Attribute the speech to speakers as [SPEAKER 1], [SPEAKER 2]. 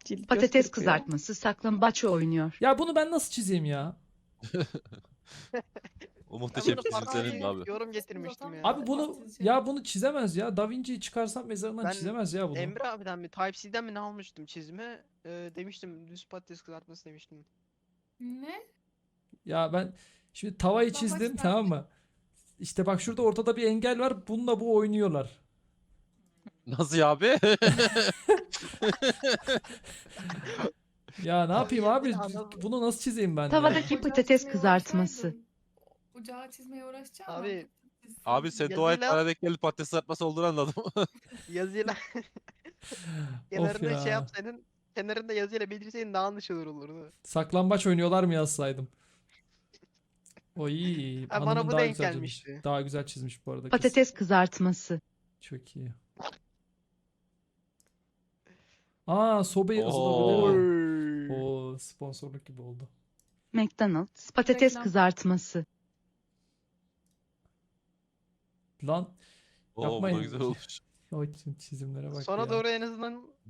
[SPEAKER 1] Cilt
[SPEAKER 2] Patates
[SPEAKER 1] göz kırpıyor.
[SPEAKER 2] kızartması saklambaç oynuyor.
[SPEAKER 3] Ya bunu ben nasıl çizeyim ya?
[SPEAKER 4] O
[SPEAKER 5] Ben
[SPEAKER 4] muhteşem
[SPEAKER 5] bunu
[SPEAKER 4] çizim senin mi
[SPEAKER 5] parçayı
[SPEAKER 4] abi?
[SPEAKER 5] yorum getirmiştim ya.
[SPEAKER 3] Abi bunu çizemez ya. Da Vinci'yi çıkarsam mezarından
[SPEAKER 5] Ben
[SPEAKER 3] çizemez ya bunu.
[SPEAKER 5] Emre abiden mi Type-C'den mi ne almıştım çizime? Demiştim düz patates kızartması demiştim.
[SPEAKER 6] Ne?
[SPEAKER 3] Ya ben şimdi tavayı
[SPEAKER 6] Bak
[SPEAKER 3] çizdim,
[SPEAKER 6] baştan.
[SPEAKER 3] tamam mı? İşte bak şurada ortada bir engel var. Bununla bu oynuyorlar.
[SPEAKER 4] Nasıl ya abi?
[SPEAKER 3] Ya ne yapayım abi?
[SPEAKER 5] yine adam-
[SPEAKER 3] Bunu nasıl çizeyim ben ya?
[SPEAKER 2] Tavadaki
[SPEAKER 6] Ocağı
[SPEAKER 2] patates
[SPEAKER 6] çizmeye
[SPEAKER 2] kızartması.
[SPEAKER 6] uğraşsaydın. Ocağı çizmeye uğraşacağım ama
[SPEAKER 5] Abi,
[SPEAKER 6] patates
[SPEAKER 4] Abi sen dua et
[SPEAKER 5] Yazıyla-
[SPEAKER 4] bana denk gelip patates kızartması olduğunu anladım.
[SPEAKER 5] Yazıyla
[SPEAKER 3] Of
[SPEAKER 5] kenarında
[SPEAKER 3] ya.
[SPEAKER 5] şey yapsaydın, kenarında yazıyla belirtseydin daha anlaşılır olurdu.
[SPEAKER 3] Saklambaç oynuyorlar mı yazsaydım? Oy,
[SPEAKER 5] Ha, bana
[SPEAKER 3] hanımın
[SPEAKER 5] bu
[SPEAKER 3] daha
[SPEAKER 5] denk
[SPEAKER 3] güzel çizmiş.
[SPEAKER 5] gelmişti.
[SPEAKER 3] Daha güzel çizmiş bu arada kız.
[SPEAKER 2] Patates kızartması.
[SPEAKER 3] Çok iyi. Aa, sobayı
[SPEAKER 4] Oo.
[SPEAKER 3] ısıtabilirim. Oo, sponsorluk gibi oldu.
[SPEAKER 2] McDonald's patates
[SPEAKER 6] Reklam.
[SPEAKER 2] kızartması.
[SPEAKER 3] Lan
[SPEAKER 4] Oo bu da
[SPEAKER 3] Yapmayın.
[SPEAKER 4] güzel olmuş.
[SPEAKER 3] o çizimlere bak
[SPEAKER 5] Sona
[SPEAKER 3] ya.
[SPEAKER 5] doğru en azından